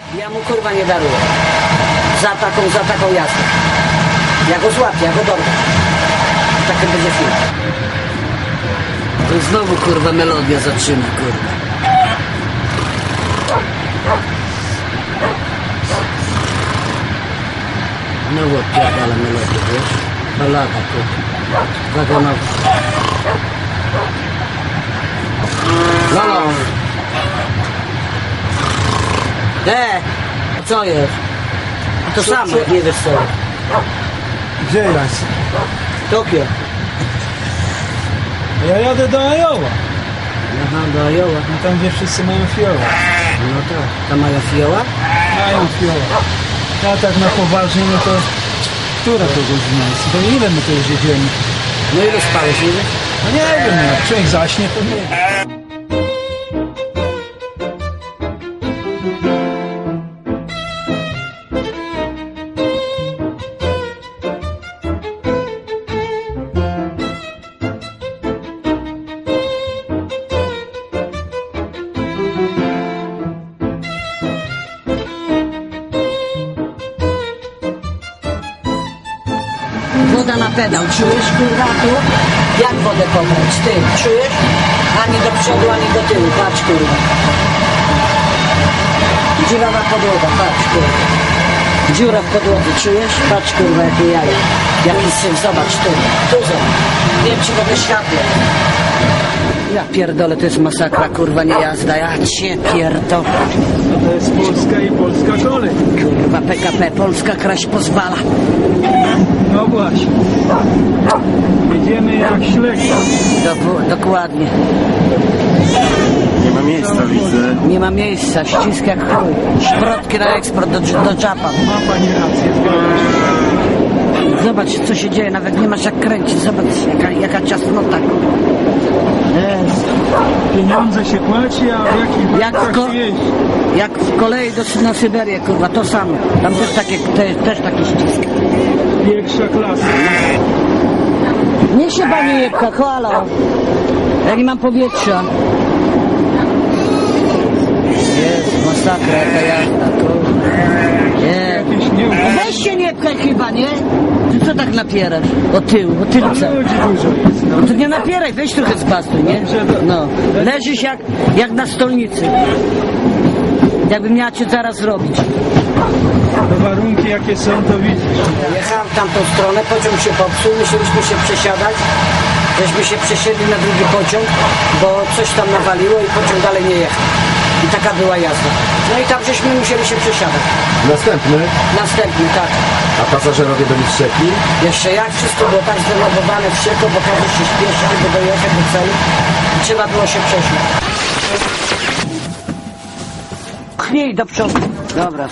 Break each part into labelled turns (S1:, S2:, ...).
S1: Ja mu kurwa nie daruję. Za taką jazdę. Ja go złapię, ja go dorwę. Taki będzie film. To znowu kurwa melodia zaczyna, kurwa. No odpierdala melodię, wiesz? Balada, kurwa. Wagonowa. Lolo! A co jest? A to samo, jak nie wiesz co.
S2: Gdzie jest?
S1: Tokio.
S2: Ja jadę do Iowa.
S1: Aha, do Iowa.
S2: No tam gdzie wszyscy mają fioła.
S1: No tak. Tam mają fioła?
S2: Mają fioła. Ja tak na poważnie, no to... Która to godzina jest? To ile my to już jedziemy?
S1: No ile spałeś, nie wiesz?
S2: No nie wiem, jak człowiek zaśnie, to nie.
S1: Woda na pedał, czujesz kurwa tu? Jak wodę pobrać? Ty, czujesz? Ani do przodu, ani do tyłu, patrz kurwa. Dziurawa podłoga, patrz kurwa. Dziura w podłodze, czujesz? Patrz kurwa, jakie jaja. Jaki syf, zobacz tu, tu zobacz. Wiem ci go wyświatlę. Ja pierdolę, to jest masakra, kurwa, nie jazda, ja cię pierdolę.
S2: No to jest Polska i polska kolej.
S1: Kurwa, PKP, Polska kraść pozwala.
S2: No właśnie. Jedziemy jak ślega.
S1: Dokładnie.
S3: Nie ma miejsca, widzę.
S1: Nie ma miejsca, ścisk jak chuj. Szprotki na eksport do Japan.
S2: Ma pani rację, zgadzam się.
S1: Zobacz, co się dzieje, nawet nie masz jak kręcić. Zobacz, jaka ciasnota. Jest.
S2: Pieniądze się płaci, a w jakich warunkach się jeździ?
S1: Jak w kolei na Syberię, kurwa, to samo. Tam też taki ścisk.
S2: Pierwsza klasa.
S1: Nie się pani nie pcha, halo. Ja nie mam powietrza. Jest masakra, jaka jazda, kurwa.
S2: Jakieś nie...
S1: Weź się nie pchaj chyba, nie? Ty co tak napierasz? O tylce.
S2: Ludzi dużo jest.
S1: No to nie napieraj, weź trochę zbastuj, nie? No. Leżysz jak na stolnicy. Jakbym miała cię zaraz zrobić.
S2: To warunki jakie są, to widzisz.
S1: Jechałem w tamtą stronę, pociąg się popsuł, musieliśmy się przesiadać. Żeśmy się przesiedli na drugi pociąg, bo coś tam nawaliło i pociąg dalej nie jechał. I taka była jazda. No i tam żeśmy musieli się przesiadać. Następny, tak.
S3: A pasażerowie byli wściekli?
S1: Jeszcze jak wszystko było tak zdenerwowane, wściekło, bo każdy się śpieszy, żeby dojechać do celu. I trzeba było się przesiąść. Pchnij do przodu. Dobra,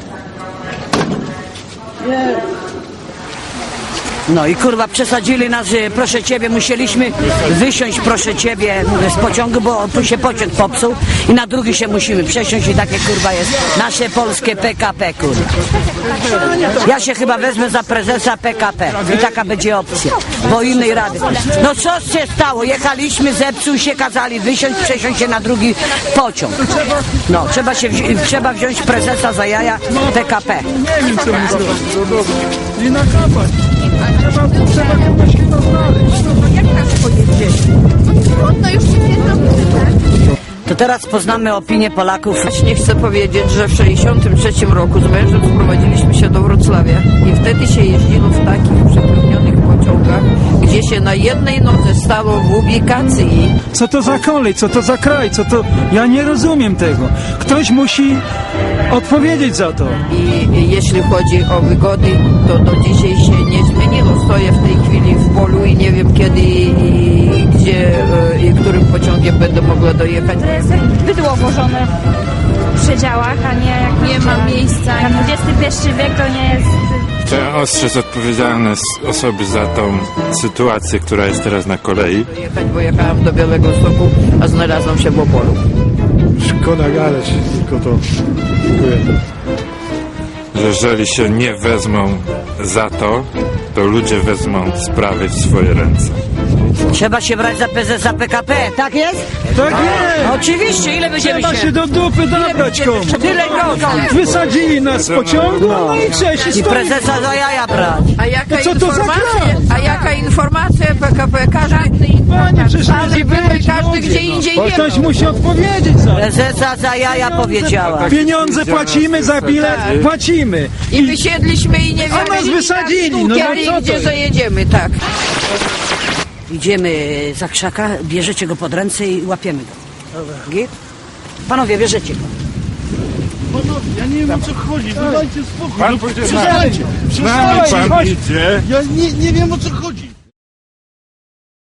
S1: No i kurwa przesadzili nas, proszę ciebie, musieliśmy wysiąść, proszę ciebie, z pociągu, bo tu się pociąg popsuł i na drugi się musimy przesiąść i takie kurwa jest nasze polskie PKP, kurwa. Ja się chyba wezmę za prezesa PKP i taka będzie opcja, bo innej rady. No co się stało? Jechaliśmy, zepsuł się, kazali wysiąść, przesiąść się na drugi pociąg. No, trzeba wziąć prezesa za jaja PKP.
S2: Nie wiem, co my zrobić. I nakapać. Trzeba kogoś chyba znaleźć.
S4: Jak nas pojedzie? No już się nie znam.
S1: To teraz poznamy opinię Polaków.
S4: Nie chcę powiedzieć, że w 1963 roku z mężem sprowadziliśmy się do Wrocławia i wtedy się jeździło w takich przepełnionych pociągach, gdzie się na jednej nodze stało w ubikacji.
S2: Co to za kolej, co to za kraj, co to... Ja nie rozumiem tego. Ktoś musi odpowiedzieć za to.
S4: I jeśli chodzi o wygody, to do dzisiaj się nie zmieniło. Stoję w tej chwili w polu i nie wiem kiedy i gdzie i którym pociągiem będę mogła dojechać.
S5: To jest bydło włożone w przedziałach, a nie jak nie ma miejsca. Na XXI wiek to nie jest...
S6: Chciałem ostrzec odpowiedzialne osoby za tą sytuację, która jest teraz na kolei.
S4: Dojechać, bo jechałam do Białego Stoku, a znalazłam się w Opolu.
S7: Szkoda gadać, tylko to. Dziękuję.
S6: Że jeżeli się nie wezmą za to, to ludzie wezmą sprawy w swoje ręce.
S1: Trzeba się brać za prezesa PKP, tak jest?
S2: Tak jest!
S1: Oczywiście, ile będziemy
S2: Trzeba się do dupy dobrać komuś.
S1: Tyle godzin.
S2: Wysadzili nas z pociągu, no i trzeba się
S1: I
S2: stoi.
S1: prezesa za jaja brać.
S4: A jaka
S2: Co to za
S4: informacja?
S2: kraj?
S4: A jaka informacja PKP? Każdy
S2: Panie, przecież
S4: ale były każdy gdzie indziej
S2: Bo
S4: wie.
S2: ktoś musi odpowiedzieć za to.
S1: Prezesa za jaja powiedziała.
S2: Pieniądze płacimy za bilet, płacimy.
S4: I wysiedliśmy i nie wiemy.
S2: A nas wysadzili, no
S4: ale
S2: co to
S4: gdzie
S2: jest?
S4: zajedziemy, tak.
S1: Idziemy za krzaka, bierzecie go pod ręce i łapiemy go. Git? Panowie, bierzecie go.
S7: Ja nie wiem o co chodzi, dajcie spokój.
S6: Pan pójdzie
S7: Przestańcie,
S6: z nami pan
S7: chodź.
S6: idzie.
S7: Ja nie wiem o co chodzi.